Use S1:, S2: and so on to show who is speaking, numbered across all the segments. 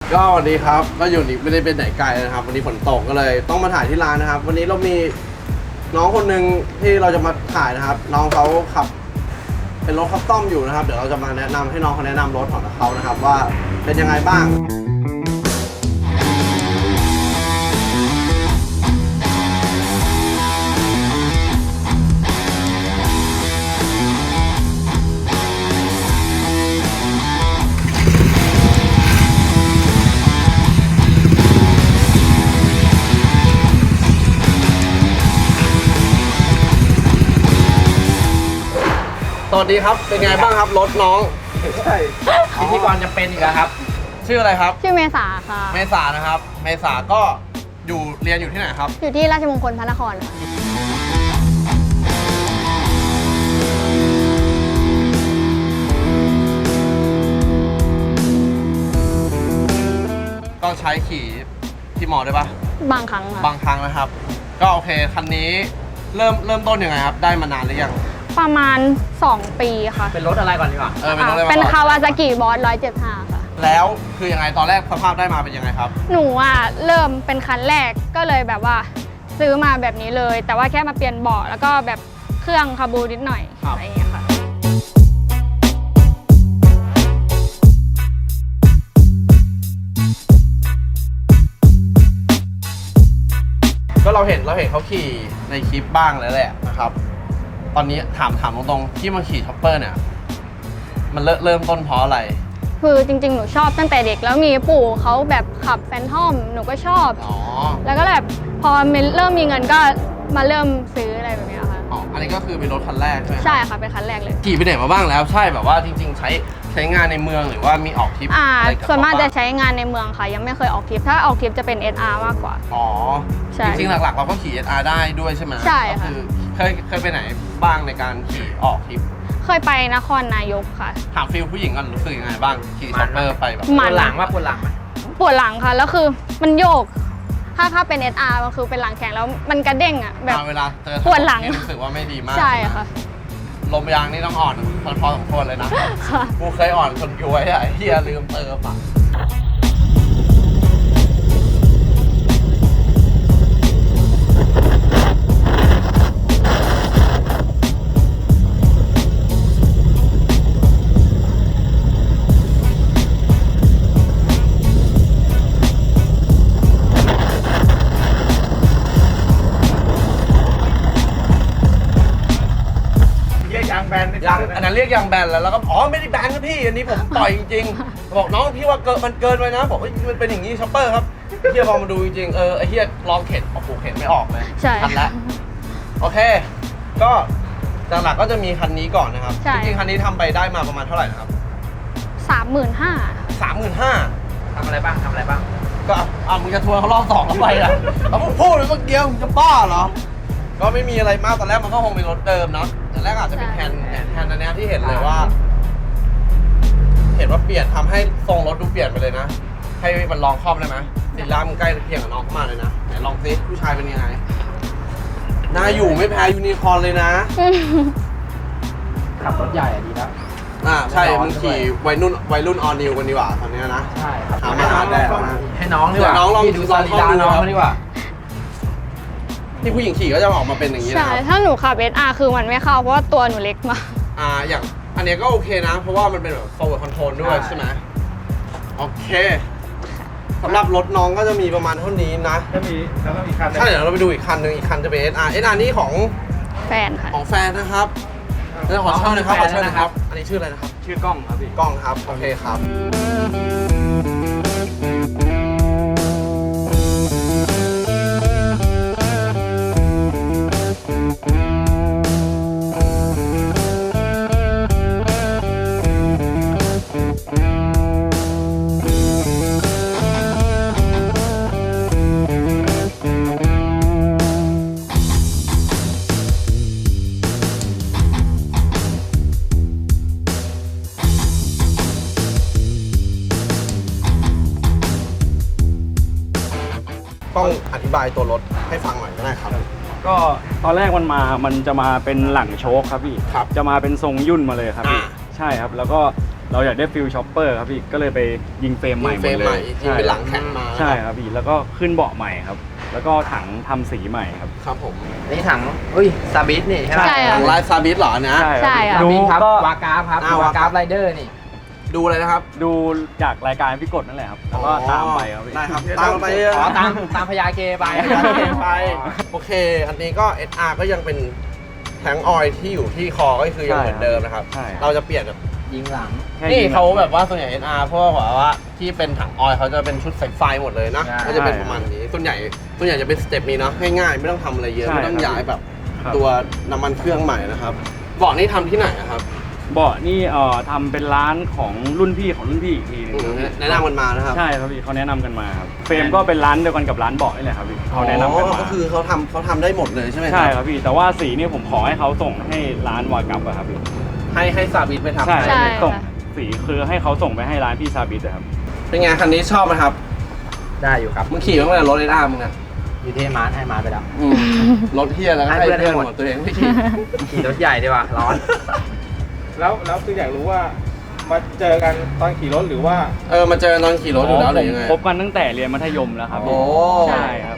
S1: ก็วันนี้ครับก็อยู่นี่ไม่ได้เป็นไหนไกลนะครับวันนี้ฝนตกก็เลยต้องมาถ่ายที่ร้านนะครับวันนี้เรามีน้องคนหนึ่งที่เราจะมาถ่ายนะครับน้องเขาขับเป็นรถคัสตอมอยู่นะครับเดี๋ยวเราจะมาแนะนำให้น้องเขาแนะนำรถของเขานะครับว่าเป็นยังไงบ้างสวัสดีครับเป็นไงบ้างครับรถน้องใช่
S2: พิธีกรจะเป็นอีกแล้วครับ
S1: ชื่ออะไรครับ
S3: ชื่อเมษาค่ะ
S1: เมษานะครับเมษาก็เรียนอยู่ที่ไหนครับ
S3: อยู่ที่ราชมงคลพระนครค่ะ
S1: ก็ใช้ขี่ที่มอได้ปะ
S3: บางครั้งค่ะ
S1: บางครั้งนะครับก็โอเคคันนี้เริ่มต้นยังไงครับได้มานานหรือยัง
S3: ประมาณ2 ปีค่ะ
S2: เป็นรถอะไรก่อนดีกว่า
S1: เป็นรถอะไร
S3: เป็นคาวาซากิบอส175ค่ะ
S1: แล้วคือยังไงตอนแรกสภาพได้มาเป็นยังไงครับ
S3: หนูเริ่มเป็นคันแรกก็เลยแบบว่าซื้อมาแบบนี้เลยแต่ว่าแค่มาเปลี่ยนเบาะแล้วก็แบบเครื่องคาบูนิดหน่อยอะไรอย่างเงี้ยค่ะ
S1: ก็เราเห็นเขาขี่ในคลิปบ้างแล้วแหละนะครับตอนนี้ถามตรงๆที่มาขี่ช็อปเปอร์เนี่ยมันเริ่มต้นเพราะอะไร
S3: คือจริงๆหนูชอบตั้งแต่เด็กแล้วมีปู่เขาแบบขับแฟนทอมหนูก็ชอบแล้วก็แบบพอเริ่มมีเงินก็มาเริ่มซื้ออะไรแบบนี้ค่ะ
S1: อันนี้ก็คือเป็นรถคันแรกใช่ไหม
S3: ใช่ค่ะเป็นคันแรกเลย
S1: ขี่ไปไหนมาบ้างแล้วใช่แบบว่าจริงๆใช้งานในเมืองหรือว่ามีออกทริปอะไรกับ
S3: ส่วนมากจะใช้งานในเมืองค่ะยังไม่เคยออกทริปถ้าออกทริปจะเป็น SR มากกว่า
S1: จริงๆหลักๆเราก็ขี่ SR ได้ด้วยใช่ไหม
S3: ใช่ค่ะ
S1: คือเคยไปไหนบ้างในการขี่ออกทริป
S3: เคยไปนครนายกค่ะ
S1: ถามฟิลผู้หญิงก่อนรู้สึกยังไงบ้างขี่ช็อปเปอร์ไปแบบ
S2: ปวดหลังว่าปวดหลังไหม
S3: ปวดหลังค่ะแล้วคือมันโยกถ้าเป็น SR มันคือเป็นหลังแข็งแล้วมันกระเด้งแบบ
S1: เวลาเจอ
S3: ปวดหลัง
S1: รู้สึกว่าไม่ดีมาก
S3: ใช่ค่ะ
S1: ลมยางนี่ต้องอ่อนพอสมควรเลยนะกูเคยอ่อนคนย้วยไอ้เหี้ยลืมเติมอ่ะอันนั้นเรียกยางแบนแล้วก็ไม่ได้แบนนะพี่อันนี้ผมปล่อยจริงๆบอกน้องพี่ว่ามันเกินไปนะบอกมันเป็นอย่างนี้ช็อปเปอร์ครับเฮียพอมาดูจริงไอ้เฮียลองเข็นเข็นไม่ออกเลย
S3: ใช่
S1: ทันแล้วโอเคก็หลักๆก็จะมีคันนี้ก่อนนะครับจริงๆคันนี้ทำไปได้มาประมาณเท่าไหร่นะครับ
S3: 35,000
S2: ทำอะไรบ้าง
S1: ก็มึงจะทัวร์เขารอบ2แล้วไปอ่ะแล้วมึงพูดเลยเมื่อกี้มึงจะบ้าเหรอก็ไม่มีอะไรมากตอนแรกมันก็คงเป็นรถเดิมเนาะแต่แรกอาจจะเป็นแทนอันนี้ที่เห็นเลยว่าเปลี่ยนทำให้ทรงรถดูเปลี่ยนไปเลยนะให้มันลองครอบได้ไหมสีล่ามึงใกล้เคียงกับน้องเข้ามาเลยนะไหนลองซิผู้ชายเป็นยังไงน่าอยู่ไม่แพ้ยูนิคอร์นเลยนะ
S2: ขับรถใหญ่ดีนะ
S1: ใช่มึงขี่วัยรุ่นออนิวกันดีกว่าตอนนี้นะ
S2: ใช่
S1: หามาหาแดดนะ
S2: ให้น้องดีกว่า
S1: น้องลอง
S2: ดูสรีระน้องดีกว่า
S1: ที่ผู้หญิงขี่ก็จะออกมาเป็นอย่างนี้นะ
S3: ใช่ถ้าหนูขับ SR คือมันไม่เข้าเพราะว่าตัวหนูเล็กมาก
S1: อย่างอันนี้ก็โอเคนะเพราะว่ามันเป็นแบบ forward control ด้วยใช่ไหมโอเคสำหรับรถน้องก็จะมีประมาณเท่านี้นะ
S2: แล้วก็มีคัน
S1: ใช่เดี๋ยวเราไปดูอีกคันหนึ่งอีกคันจะเป็น SR นี่ของ
S3: แฟนค่ะ
S1: ของแฟนนะครับแล้วขอเชิญนะครับอันนี้ชื่ออะไรนะครับ
S2: ชื่อกล้องครับพี่
S1: กล้องครับโอเคครับต้องอธิบายตัวรถให้ฟังหน่อยก็ได้ครับ
S4: ก็ตอนแรกมันจะมาเป็นหลังโชคครับพี่จะมาเป็นทรงยุ่นมาเลยครับพี่ใช่ครับแล้วก็เราอยากได้ฟิลช็อปเปอร์ครับพี่ก็เลยไปยิงเฟรมใหม่หม
S1: เฟร
S4: ด
S1: ม
S4: เล
S1: ใหม่
S4: ย
S1: ยิงเป็นหลังแข็งมา
S4: ใช่ครับพี่แล้วก็ขึ้นเบาะใหม่ครับ แล้วก็ถังทำสีใหม่ครับ
S1: ครับผม
S2: นี่ถังอุ้ยซาบิสนี่ใช่ไหม
S3: ใช่
S1: หลังลายซาบิสเหรอนะ
S3: ใช่ครับ
S2: ซาบิสครับ
S4: ก็
S2: วากราฟครับ
S1: อ่าว
S2: วากราฟไรเดอร์นี่
S1: ดูเลยนะครับ
S4: ดูจากรายการพี่กดนั่นแหละครับแล้วก็ตามไปครับพี่
S1: ได้ครับตามไป
S2: อ๋อตามพญาเกไป
S1: ไปโอเค อันนี้ก็ SR ก็ยังเป็นแทงออยที่อยู่ที่คอก็คือยังเหมือนเดิมนะครับ
S4: ใช่ครับ
S1: เราจะเปลี่ยนแบบ
S2: ยิงหลัง
S4: แค่
S1: นี่
S4: ยิง
S1: เขาแบบว่าส่วนใหญ่ NR พวกแบบว่าที่เป็นถังออยล์เขาจะเป็นชุดสายไฟหมดเลยนะ
S2: ใช่
S1: ก็จะเป็นประมาณนี้ส่วนใหญ่จะเป็นสเต็ปนี้เนาะง่ายๆไม่ต้องทำอะไรเยอะ
S4: ใช่
S1: ไม่ต้อง
S4: ครับ
S1: ย้ายแบบ
S4: ครับ
S1: ตัวน้ำมันเครื่องใหม่นะครับเบาะนี่ทำที่ไหนอะครับ
S4: เบาะนี่ทำเป็นร้านของรุ่นพี่ของรุ่นพี่อีกทีหนึงครับพี่
S1: แนะนำกันมานะครับ
S4: ใช่ครับพี่เขาแนะนำกันมาครับเฟรมก็เป็นร้านเดียวกันกับร้านเบาะนี่แหละครับพี่เขาแนะนำกัน
S1: อ๋อ
S4: มา
S1: ก็คือเขาทำได้หมดเลยใช่ไหมค
S4: ใช่
S1: รับ
S4: ครับพี่แต่ว่าสีนี่ผมขอให้เขาส่งให้ร้านวากับอะครับพี่
S1: ให้ซาบิสไปทำ
S4: ใช่
S3: ใช่
S4: ส่ง
S3: ค่ะ
S4: สีคือให้เขาส่งไปให้ร้านพี่ซาบิสอะครับ
S1: เป็นไงคันนี้ชอบไหมครับ
S2: ได้อยู่ครับ
S1: มึงขี่มาตั้งแต่รถไอ้ด้ามึงอะ
S2: อยู่ที่มาร์ทให้มาร์ทไปแล้ว
S1: รถเฮียแล้วก็
S2: ให้
S1: ให้
S2: เพื่อน
S1: เพื่อน
S2: ให้หมด
S1: หมดตัวเองไม่ขี่
S2: ขี่รถใหญ่ดีกว่าร้อน
S5: แล้วคืออยากรู้ว่ามาเจอกันตอนขี่รถหรือว่า
S1: มาเจอตอนขี่รถอยู่แล้วหรือยังไง
S4: คบกันตั้งแต่เรียนมัธยมแล้วครับ
S1: โอ้
S4: พี่ใช่ครับ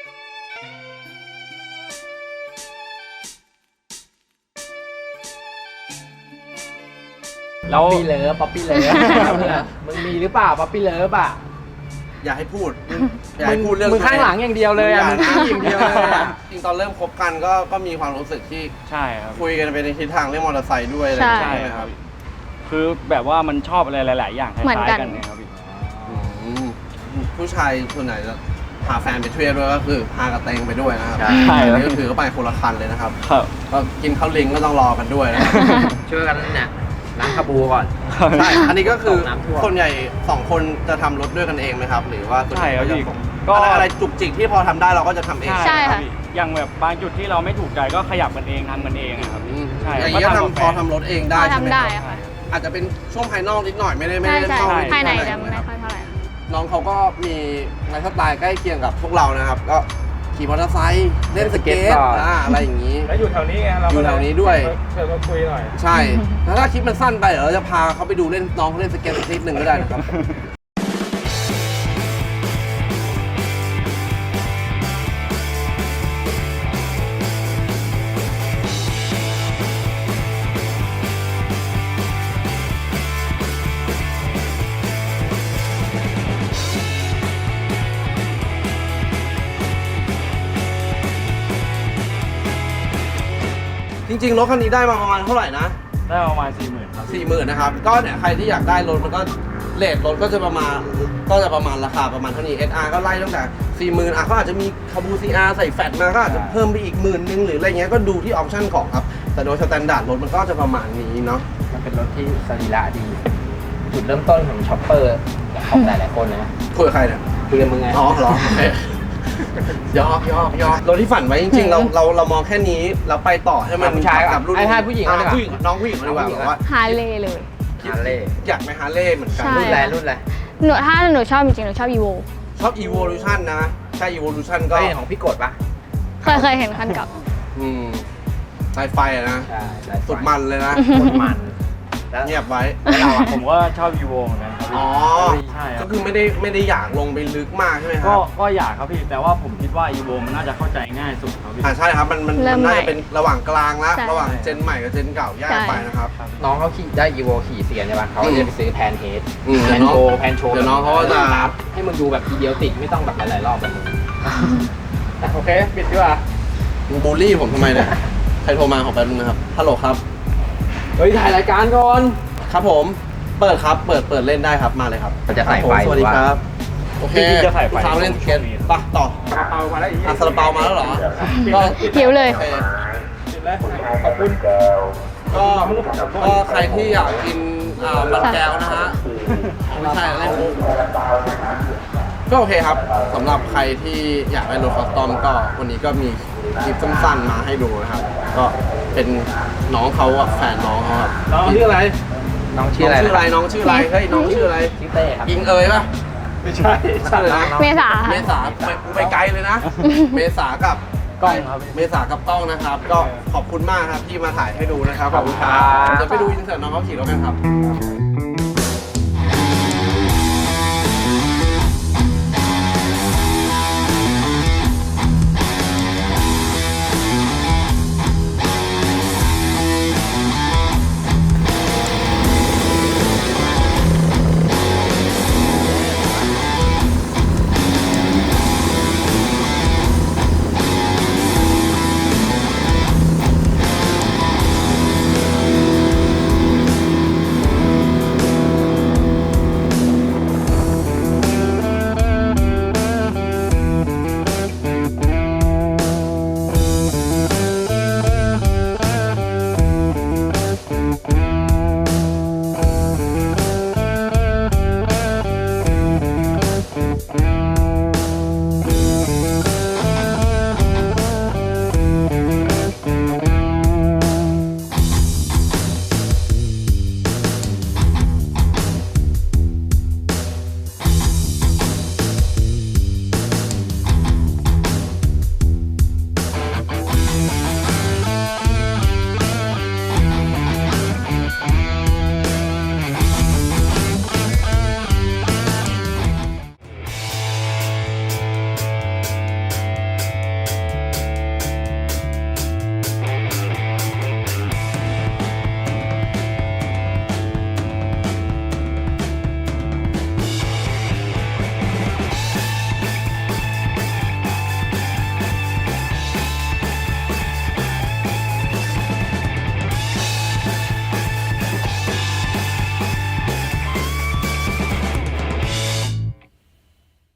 S4: แล้ว
S2: ป๊อปปี้เลิฟป๊อปปี้เลิฟมึงมีหรือเปล่าป๊อปปี้เลิฟอ่ะ
S1: อย่าให้พูดอย่าให้พูดเรื่อง
S2: มึงข้างหลังอย่างเดียวเลยอ่ะมึงขี้อย่างเดียวเลยอะ
S1: จริงตอนเริ่มคบกันก็มีความรู้สึกที่
S4: ใช่ครับ
S1: คุยกันไปในทิศทางเรื่องมอเตอร์ไซค์ด้วยอะไรอย่าง
S3: ใช่
S1: เงี้ยไหมครับ
S4: คือแบบว่ามันชอบอะไรหลาย ๆ อย่างคล้
S3: เหมือน
S4: าย
S3: กัน
S4: ๆกันเนะครับพี่
S1: อืมผู้ชายส่วนไหนจะพาแฟนไปเที่ยวด้วยก็คือพากระเตงไปด้วยนะครับ
S4: ใช่ครับ
S1: อันนี้ก็ถือก็ไปคนละคันเลยนะครับ
S4: ครับ
S1: ก็กินข้าวลิงก็ต้องรอกันด้วยนะครับ
S2: ช่วยกันเนี่ยล้างคาบูก่อน
S1: ใช่อันนี้ก็คือ
S2: น้ำท่วม
S1: ส่วนใหญ่2คนจะทำรถด้วยกันเองไหมครับ หรือว่าส่วนใหญ่
S4: ใช่ครับ
S1: ก็จะ
S4: พี่
S1: ส่ง
S4: ก็
S1: อะไรจุกจิกที่พอทำได้เราก็จะทำเอง
S3: ใช่
S4: ครั
S3: ค่ะ
S4: บพี่อย่างแบบบางจุดที่เราไม่ถูกใจก็ขยับกันเองทำกันเองอะครับ
S1: อืม
S4: ใช่
S1: อย่างนี้ก็
S4: ก็
S1: ทำพอ
S4: กับแฟน
S1: ทำรถเองได้
S3: พอ
S1: ใช่ไหม
S3: ทำ
S1: ค
S3: ได้
S1: รับ
S3: ค่ะ
S1: อาจจะเป็นช่วงภายนอกนิดหน่อยไม่ได้
S3: ใช่
S1: เข้า
S3: ใช่
S1: ลึก
S3: ภายใน
S1: เท่
S3: จะ
S1: ไหร่
S3: ไม่
S1: นะครับ
S3: ค่อยเท่าไหร่ค่ะ
S1: น้องเขาก็มีไลฟ์สไตล์ใกล้เคียงกับพวกเรานะครับ ก็ขี่มอเตอร์ไซค์เล่นสเก็ต
S2: สเก็ตบอร์ด
S1: อะไรอย่างนี้
S5: แล้วอยู่แถวนี้ไงเราก็
S1: อยู่แถวนี้ด้วย
S5: เชิญมาคุยหน่อย
S1: ใช่แล้วถ้าคลิปมันสั้นไปเดี๋ยวเราจะพาเขาไปดูเล่นน้องเขาเล่นสเก็ตสักนิดหนึ่งก็ได้นะครับ จริงๆรถคันนี้ได้มาประมาณเท่าไหร่นะ
S4: ได้ประมาณ 40,000ครับ
S1: 40,000นะครับ ก็เนี่ยใครที่อยากได้รถมันก็เรทรถก็จะประมาณราคาประมาณเท่านี้ SR ก็ไล่ตั้งแต่ 40,000อ่ะเขาอาจจะมีคาบู CR ใส่แฟตมาก็อาจจะเพิ่มไปอีก10,000หรืออะไรเงี้ยก็ดูที่ออปชั่นของครับ แต่โดยสแตนดาร์ดรถมันก็จะประมาณนี้เนาะ
S2: มันเป็นรถที่สรีระดี จุดเริ่มต้นของช็อปเปอร์ของหลายๆคนเลยนะ
S1: คุยกับใครเนี่ย
S2: คุยกับมึงไง
S1: อ๋อเหรอโอเคยอกรถที่ฝันไว้จริงๆ เรามองแค่นี้เราไปต่อให้มัน
S2: ผู้ชาย
S1: กับรุ่น
S2: ให้ผู้หญิง
S1: อ่ะ
S2: ดีกว่า
S1: ผู้หญิงน้องผู้หญิงดีกว่า
S2: น้องผู้หญิง
S1: บอกว่า
S3: ฮาร์เลย์เลย
S2: ฮาร์เลย์
S1: อยากไปฮาร์เลย์เหมือนกัน
S3: ใช่
S2: รุ่นอะไรรุ่นอะไร
S3: ถ้าหนูชอบจริงๆหนูชอบอีโว
S1: ชอบ Evolution นะใช่ Evolution ก็
S2: ก็เห็นของพี่กดปะ
S3: เคยเห็นคันเก่า
S1: สายไฟอะนะ
S2: ใช่
S1: สุดมันเลยนะ
S2: สุดมันแล้ว
S1: เงียบไว้
S2: แล้วเราอะ
S4: ผมก็ชอบยูโวเหมือนกันครับพี่
S1: อ๋อ
S4: ใช่ค
S1: ก็
S4: รับ
S1: คือไม่ได้อยากลงไปลึกมากใช่ไหมค
S4: ก็
S1: รับ
S4: ก็อยากครับพี่แต่ว่าผมคิดว่าอีโวมันน่าจะเข้าใจง่ายสุดครับพี่
S1: ใช่ครับมัน
S3: เริ่มใหม่
S1: น่าจะเป็นระหว่างกลางละ
S3: ใช่
S1: ระหว่างเจนใหม่กับเจนเก่าแยก
S3: ใช่
S1: ไปนะครับ
S2: น้องเขาขี่ได้อีโวขี่เสียใช่ปะเขาก็จะไปซื้อแพนเฮด
S1: อืม
S2: แพนโชว์แพนโชว์
S1: เดี๋ยวน้องเขาก็จะ
S2: ให้มึงดูแบบทีเดียวติดไม่ต้องแบบหลายๆรอบแบบมึงโอเคปิดดีกว่า
S1: มึงบูลลี่ผมทำไมเนี่ย ใครโทรมาขอแป๊บนึงนะครับ ฮัลโหลครับ
S2: เฮ้ยถ่ายรายการก่อน
S1: ครับผม เปิดครับ เปิดเล่นได้ครับ มาเลยครับ
S2: เราจะใส่
S1: ครับผม
S2: ไฟ
S1: สวัสดี
S2: หรือว่า
S1: ครับ โอเค
S4: จริงๆจะใส่ไฟ
S1: ลูกค้ามาเล่นสเก็ต
S4: ช่วงนี้
S1: ปะต่อ
S5: เอามาแล้วอีก
S1: อ่ะซาลาเปามาแล้วเหรอ ก็
S3: หิวเลย
S1: โอเค
S5: ปิดแล้วขอบคุณ
S1: ก็ใครที่อยากกินมันแก้วนะฮะไม่ใช่เล่นมุกก็โอเคครับสำหรับใครที่อยากได้รถคัสตอมก็วันนี้ก็มีคลิปสั้นๆมาให้ดูนะครับ ก็เป็นน้องเขาอะแฟนน้องเขาครับ
S5: น้องชื่ออะไร
S2: น้อง
S1: น้
S2: ชื่อ
S1: อง
S2: อะไร
S1: ชื่ออะไรน้องชื่ออะไรเฮ้ยน้องชื่ออะไร
S2: ชื่อเต้ครับ
S1: ยิงเอ๋ยป่ะ
S5: ไม่ใช่
S1: ชื่ออะไรนะ
S3: เมษา
S1: เมษาไปไกลเลยนะ เมษากับ
S4: กล้องครับ
S1: เมษากับกล้องนะครับ ก็ขอบคุณมากครับที่มาถ่ายให้ดูนะครับ
S2: ขอบคุณครับ
S1: จะไปดูอินเสิร์ตน้องเขาขี่รถกันครับ